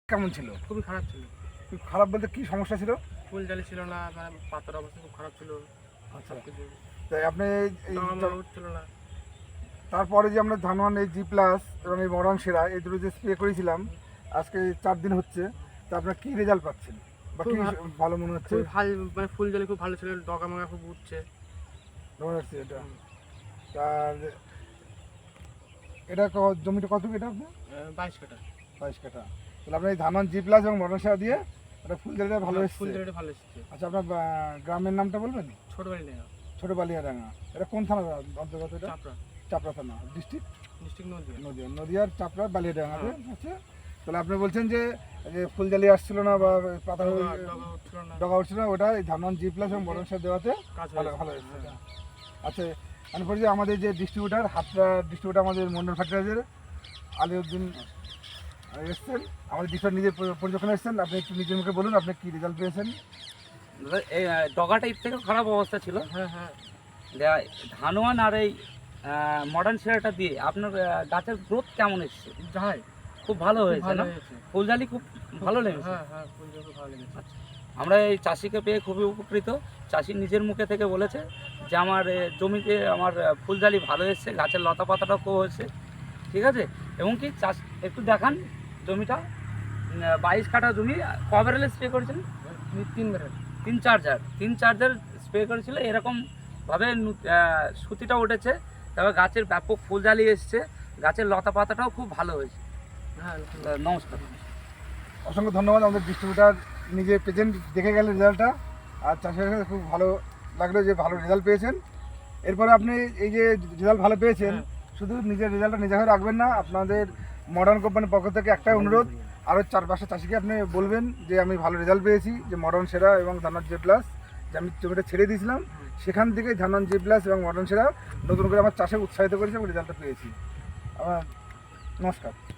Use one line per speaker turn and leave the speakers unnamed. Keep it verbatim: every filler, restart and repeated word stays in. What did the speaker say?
কেমন ছিল?
খুবই খারাপ ছিল।
খুব খারাপ বলতে কি সমস্যা ছিল?
ফুল জালি ছিল না, মানে পাতার অবস্থা খুব খারাপ ছিল।
আচ্ছা,
সবকিছু
তাই আপনি এই
টাকা উঠছিল না।
তারপরে যে আমরা ধানওয়ান এই জি প্লাস এবং এই মডার্ন সেরা এই দুটো যে স্প্রে করেছিলাম আজকে চার দিন হচ্ছে, তা আপনার কি রেজাল্ট পাচ্ছেন বা কি
খুব ভা-
ভালো মনে হচ্ছে?
খুবই ভালো, মানে ফুল জালি খুব ভালো ছিল, ডগা মাগা খুব উঠছে।
মনে হচ্ছে এটা তার এটা ক- জমিটা কত এটা আপনার?
আহ, বাইশ কাটা।
বাইশ কাঠা। তাহলে আপনার এই ধানওয়ান জি প্লাস এবং মডার্ন সেরা দিয়ে এটা ফুল জালিটা ভালো
হ্যাঁ,
এসছে।
ফুল জালিটা ভালো এসেছে।
আচ্ছা, আপনার আহ, গ্রামের নামটা বলবেন?
ছোট বাড়ি নেই,
ছোট বালিয়াডাঙ্গা। এটা কোন থানা অন্তর্গত? এটা
চাপড়া
চাপড়া থানা, ডিস্ট্রিক্ট
ডিস্ট্রিক্ট নদী।
নদিয়া, নদিয়ার চাপড়া বালিয়াডাঙ্গাতে
হ্যাঁ।
আছে। তাহলে আপনি বলছেন যে যে ফুলজালি আসছিল না বা পাতা
ডগা ডগা উঠছিল না,
ডগা উঠছিল না, ওটা এই ধানওয়ান জি প্লাস এবং বরণ সার দেওয়াতে
কাজ
ভালো
হয়েছে।
ভালো এসেছে।
হ্যাঁ।
আচ্ছা, তারপরে যে আমাদের যে ডিস্ট্রিবিউটার হাতটা ডিস্ট্রিবিউটার আমাদের মন্ডল ফার্টিলাইজার আলিউদ্দিন এসছেন, আমাদের ডিস্ট্রিবিউটার নিজে পর্যবেক্ষণে এসছেন। আপনি একটু নিজের মুখে বলুন আপনি কি রেজাল্ট পেয়েছেন।
দাদা, এই আহ, ডগা টাইপ থেকে খারাপ অবস্থা ছিল।
হ্যাঁ হ্যাঁ
দেয়া ধানওয়ান আর এই মডার্ন সেরাটা দিয়ে আপনার আহ, গাছের গ্রোথ কেমন এসছে?
যাই
খুব ভালো
খুব
হয়েছে
ভালো
না?
হয়েছে।
ফুলজালি খুব ভালো লেগেছে।
হ্যাঁ হ্যাঁ ফুল জালি খুব ভালো লেগেছে।
আচ্ছা, আমরা এই চাষিকে পেয়ে খুবই উপকৃত। চাষি নিজের মুখে থেকে বলেছে যে আমার এ, জমিতে আমার আহ, ফুলজালি ভালো এসছে, গাছের লতা পাতাটাও খুব হয়েছে, ঠিক আছে। এবং কি চাষ একটু দেখান জমিটা, উম, বাইশ কাঠা জমি, কভারেলে স্প্রে করেছেন?
তিন- তিন বেড়ে
তিন চার্জার তিন চার্জার স্প্রে করেছিল। এরকমভাবে নু- আহ, সুতিটা উঠেছে, তবে গাছের ব্যাপক ফুলজালি এসছে, গাছের লতা পাতাটাও খুব ভালো হয়েছে।
হ্যাঁ
আহ, নমস্কার।
অসংখ্য ধন্যবাদ। আমাদের ডিস্ট্রিবিউটার নিজে প্রেজেন্ট দেখে গেলেন রেজাল্টটা, আর চাষের কাছে খুব ভালো লাগলো যে ভালো রেজাল্ট পেয়েছেন। এরপরে আপনি এই যে রেজাল্ট ভালো পেয়েছেন,
হ্যাঁ।
শুধু নিজের রেজাল্টটা নিজে হয়ে রাখবেন না, আপনাদের মডার্ন কোম্পানির পক্ষ থেকে একটাই অনুরোধ, আরও চার পাঁচটা চাষিকে আপনি বলবেন যে আমি ভালো রেজাল্ট পেয়েছি, যে মডার্ন সেরা এবং ধানওয়ান জে প্লাস যে আমি জমিটা ছেড়ে দিয়েছিলাম সেখান থেকে ধানওয়ান জে প্লাস এবং মডার্ন সেরা নতুন করে আমার চাষে উৎসাহিত করেছে এবং রেজাল্টটা পেয়েছি। আমার নমস্কার।